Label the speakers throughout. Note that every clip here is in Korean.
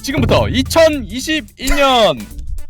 Speaker 1: 지금부터 2021년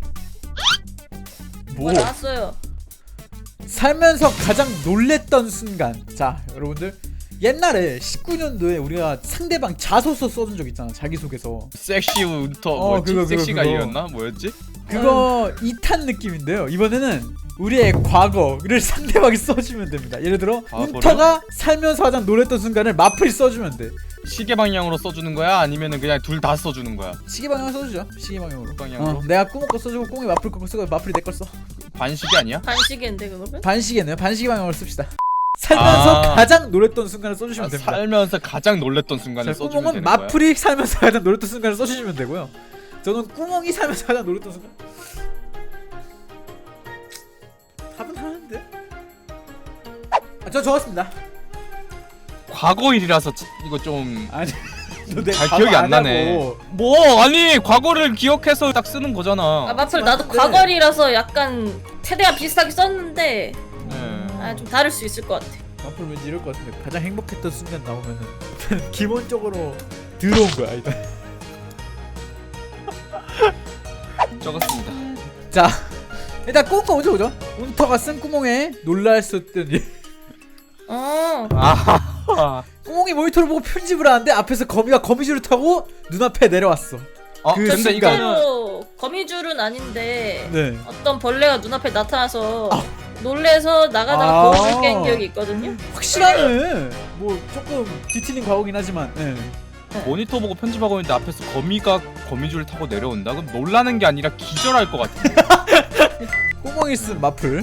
Speaker 2: 뭐 나왔어요.
Speaker 3: 살면서 가장 놀랬던 순간. 자 여러분들, 옛날에 19년도에 우리가 상대방 자소서 써준 적 있잖아. 자기소개서.
Speaker 1: 섹시 운터 뭐였지?
Speaker 3: 그거.
Speaker 1: 섹시가이였나? 뭐였지?
Speaker 3: 그거 2탄 느낌인데요. 이번에는 우리의 과거를 상대방이 써주면 됩니다. 예를 들어 운터가 살면서 가장 놀랬던 순간을 마플이 써주면 돼.
Speaker 1: 시계 방향으로 써주는 거야? 아니면은 그냥 둘 다 써주는 거야?
Speaker 3: 시계 방향 써주죠. 시계 방향으로.
Speaker 1: 방향으로?
Speaker 3: 내가 꾸몽 거 써주고 꽁이 마플 거 쓰고 마플이 내 걸 써.
Speaker 1: 반시계 아니야?
Speaker 2: 반시계인데 그거는?
Speaker 3: 반시계네요. 반시계 방향으로 씁시다. 살면서 가장 놀랬던 순간을 써주시면 됩니다.
Speaker 1: 살면서 가장 놀랬던 순간을 써주면
Speaker 3: 꾸몽은
Speaker 1: 되는 거야?
Speaker 3: 마플이 살면서 가장 놀랬던 순간을 써주시면 되고요. 저는 꾸몽이 살면서 가장 놀랬던 순간. 답은 하나인데? 저 적었습니다.
Speaker 1: 과거 일이라서 이거 좀
Speaker 3: 아니
Speaker 1: 잘 기억이 안 나네. 뭐 아니 과거를 기억해서 딱 쓰는 거잖아.
Speaker 2: 아 마플 나도 과거리라서 약간 최대한 비슷하게 썼는데 좀 다를 수 있을 것 같아.
Speaker 3: 마플 왠지 이럴 것 같은데 가장 행복했던 순간 나오면은 기본적으로 들어온 거야 일단.
Speaker 1: 적었습니다.
Speaker 3: 자 일단 꾸몽 먼저 보죠. 운터가 쓴 꾸몽에 놀랄 수 있던 일. 꾸몽이 모니터를 보고 편집을 하는데 앞에서 거미가 거미줄을 타고 눈앞에 내려왔어. 그
Speaker 1: 근데 이거는
Speaker 2: 거미줄은 아닌데
Speaker 3: 네.
Speaker 2: 어떤 벌레가 눈앞에 나타나서 놀래서 나가다가 거울을 깬 기억이 있거든요.
Speaker 3: 확실하네. 뭐 조금 뒤틀린 과거긴 하지만. 네.
Speaker 1: 모니터 보고 편집하고 있는데 앞에서 거미가 거미줄을 타고 내려온다? 그럼 놀라는 게 아니라 기절할 것 같아.
Speaker 3: 꾸몽이 쓴 마플.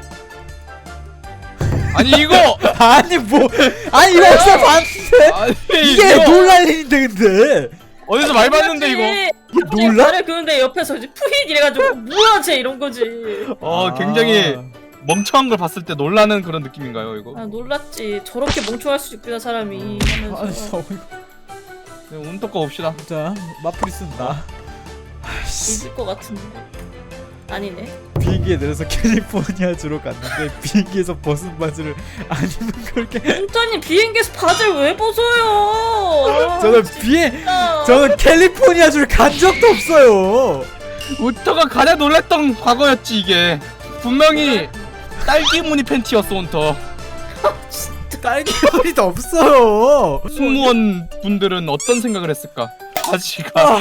Speaker 1: 아니 이거
Speaker 3: 아니 뭐 아니 이거 어디서 봤는데?
Speaker 1: 아니,
Speaker 3: 이게
Speaker 1: 이거
Speaker 3: 놀랄 일인데 근데
Speaker 1: 어디서 말 봤는데 이거?
Speaker 3: 이게 놀라?
Speaker 2: 말을 그는데 옆에서 이제 푸잇 이래가지고 뭐야 쟤 이런 거지.
Speaker 1: 굉장히 멍청한 걸 봤을 때 놀라는 그런 느낌인가요 이거?
Speaker 2: 아 놀랐지. 저렇게 멍청할 수 있구나 사람이 하면서.
Speaker 1: 네, 운터 거 봅시다.
Speaker 3: 자 마플이 쓴다.
Speaker 2: 있을 것 같은데 아니네.
Speaker 3: 비행기에 내려서 캘리포니아주로 갔는데 비행기에서 벗은 바지를 안 입은 걸
Speaker 2: 운터님 비행기에서 바지를 왜 벗어요?
Speaker 3: 저는 캘리포니아주를 간 적도 없어요.
Speaker 1: 운터가 가장 놀랬던 과거였지 이게. 분명히 딸기 무늬 팬티였어 운터.
Speaker 3: 딸기 머리도 없어요.
Speaker 1: 승무원 분들은 어떤 생각을 했을까? 바지가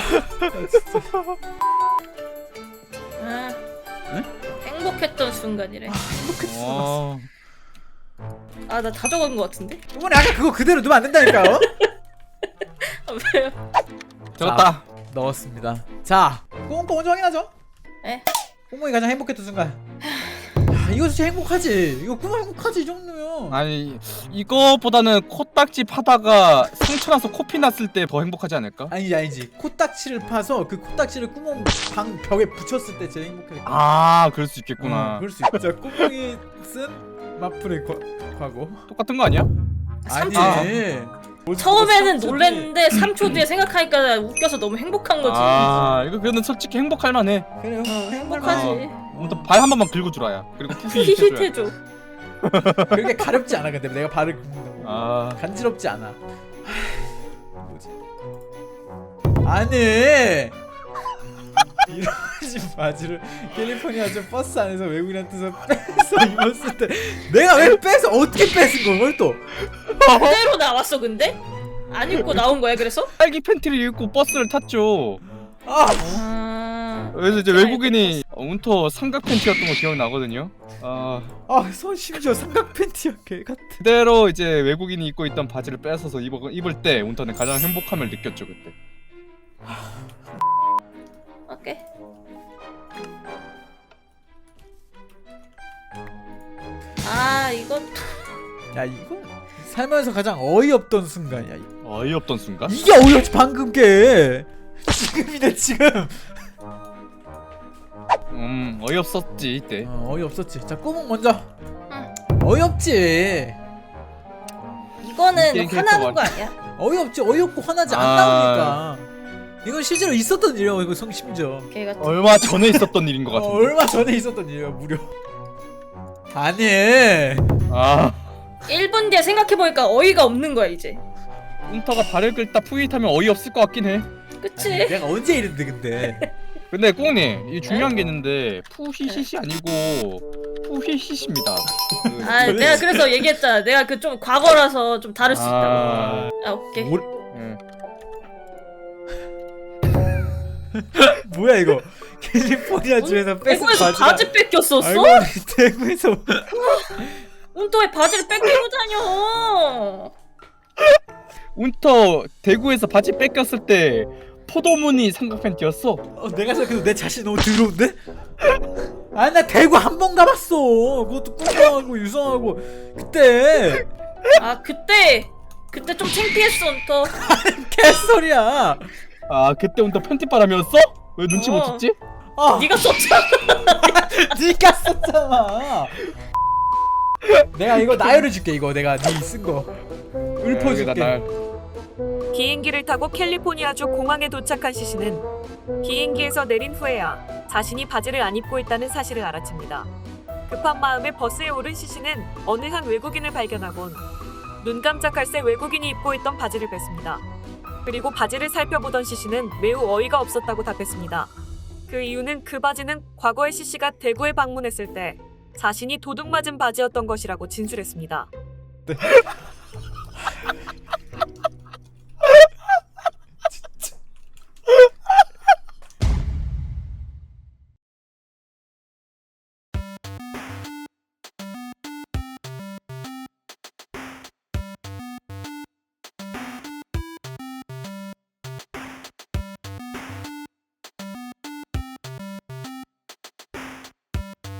Speaker 2: 행복했던 순간이래.
Speaker 3: 행복했어.
Speaker 2: 아 나 다 적은 것 같은데?
Speaker 3: 어머니 아까 그거 그대로 넣으면 안 된다니까요?
Speaker 2: 왜요?
Speaker 1: 적었다.
Speaker 3: 넣었습니다. 자 꽁꽁 먼저 확인하죠.
Speaker 2: 네.
Speaker 3: 꽁꽁이 가장 행복했던 순간. 이거 진짜 행복하지. 이거 꿈 행복하지 이 정도면.
Speaker 1: 아니 이거보다는 코딱지 파다가 상처 나서 코피 났을 때 더 행복하지 않을까?
Speaker 3: 아니지. 코딱지를 파서 그 코딱지를 구멍 방 벽에 붙였을 때 제일 행복해.
Speaker 1: 그럴 수 있겠구나.
Speaker 3: 그럴 수 있다. 자 꾸몽이 쓴 마플의 과거.
Speaker 1: 똑같은 거 아니야?
Speaker 3: 아니지.
Speaker 2: 처음에는 놀랬는데 3초 뒤에 생각하니까 웃겨서 너무 행복한 거지.
Speaker 1: 이거 그거는 솔직히 행복할 만해.
Speaker 3: 그래요.
Speaker 2: 행복하지.
Speaker 1: 발 한 번만 긁어 주라야. 그리고 푸히
Speaker 2: 히힛
Speaker 1: 해줘야.
Speaker 2: 해줘.
Speaker 3: 그렇게 가렵지 않아. 근데 내가 발을 긁는다고. 간지럽지 않아. 뭐지? 아니 이런 바지를 캘리포니아주 버스 안에서 외국인한테서 뺏어 입었을 때 내가 왜 뺏어? 어떻게 뺏은 거야? 또
Speaker 2: 그대로 나왔어 근데? 안 입고 나온 거야 그래서?
Speaker 1: 딸기 팬티를 입고 버스를 탔죠. 그래서 이제 외국인이 운터 삼각 팬티였던 거 기억나거든요.
Speaker 3: 손 심지어 삼각 팬티야 개 같아.
Speaker 1: 그대로 이제 외국인이 입고 있던 바지를 뺏어서 입을 때 운터는 가장 행복함을 느꼈죠 그때.
Speaker 2: 오케이. 이거
Speaker 3: 야 이거 살면서 가장 어이없던 순간이야.
Speaker 1: 어이없던 순간?
Speaker 3: 이게 어이없지 방금 게. 지금이네 지금.
Speaker 1: 어이없었지 이때.
Speaker 3: 어이없었지. 자 꾸몽 먼저. 어이없지.
Speaker 2: 이거는 화나는 거 아니야?
Speaker 3: 어이없지. 어이없고 화나지 안 나오니까. 이건 실제로 있었던 일이야. 이거 심지어
Speaker 1: 얼마 전에 있었던 일인 것 같은데.
Speaker 3: 얼마 전에 있었던 일이야 무려. 아니
Speaker 2: 1분 뒤에 생각해보니까 어이가 없는 거야 이제.
Speaker 1: 운터가 발을 긁다 푸잇하면 어이없을 것 같긴 해.
Speaker 2: 그치?
Speaker 3: 아니, 내가 언제 이랬는데 근데.
Speaker 1: 근데 꽁님 이 중요한 게 있는데 푸히시시 아니고 푸히시시입니다.
Speaker 2: 아 내가 그래서 얘기했잖아. 내가 그 좀 과거라서 좀 다를 수 있다고.
Speaker 1: 아,
Speaker 2: 아 오케이.
Speaker 1: 예.
Speaker 3: 뭐야 이거? 캘리포니아 주에서 뺏은
Speaker 2: 대구에서
Speaker 3: 바지가.
Speaker 2: 바지 뺏겼었어?
Speaker 3: 알고 보니 대구에서.
Speaker 2: 운터에 바지를 뺏기고 다녀.
Speaker 1: 운터 대구에서 바지 뺏겼을 때 포도무늬 삼각 팬티였어.
Speaker 3: 내가 생각해도 내 자신 너무 더러운데? 아니 나 대구 한 번 가봤어. 그것도 꿀렁하고 유성하고 그때.
Speaker 2: 아 그때 좀 창피했어 운터.
Speaker 3: 개소리야.
Speaker 1: 아 그때 운터 팬티바람이었어? 왜 눈치 못 챘지?
Speaker 3: 아,
Speaker 2: 네가 썼잖아.
Speaker 3: 네가 썼잖아. 내가 이거 나열해 줄게. 이거 내가 네 쓴 거. 읊어줄게.
Speaker 4: 비행기를 타고 캘리포니아주 공항에 도착한 시신은 비행기에서 내린 후에야 자신이 바지를 안 입고 있다는 사실을 알아챕니다. 급한 마음에 버스에 오른 시신은 어느 한 외국인을 발견하곤 눈 깜짝할 새 외국인이 입고 있던 바지를 뺐습니다. 그리고 바지를 살펴보던 시신은 매우 어이가 없었다고 답했습니다. 그 이유는 그 바지는 과거에 시씨가 대구에 방문했을 때 자신이 도둑 맞은 바지였던 것이라고 진술했습니다.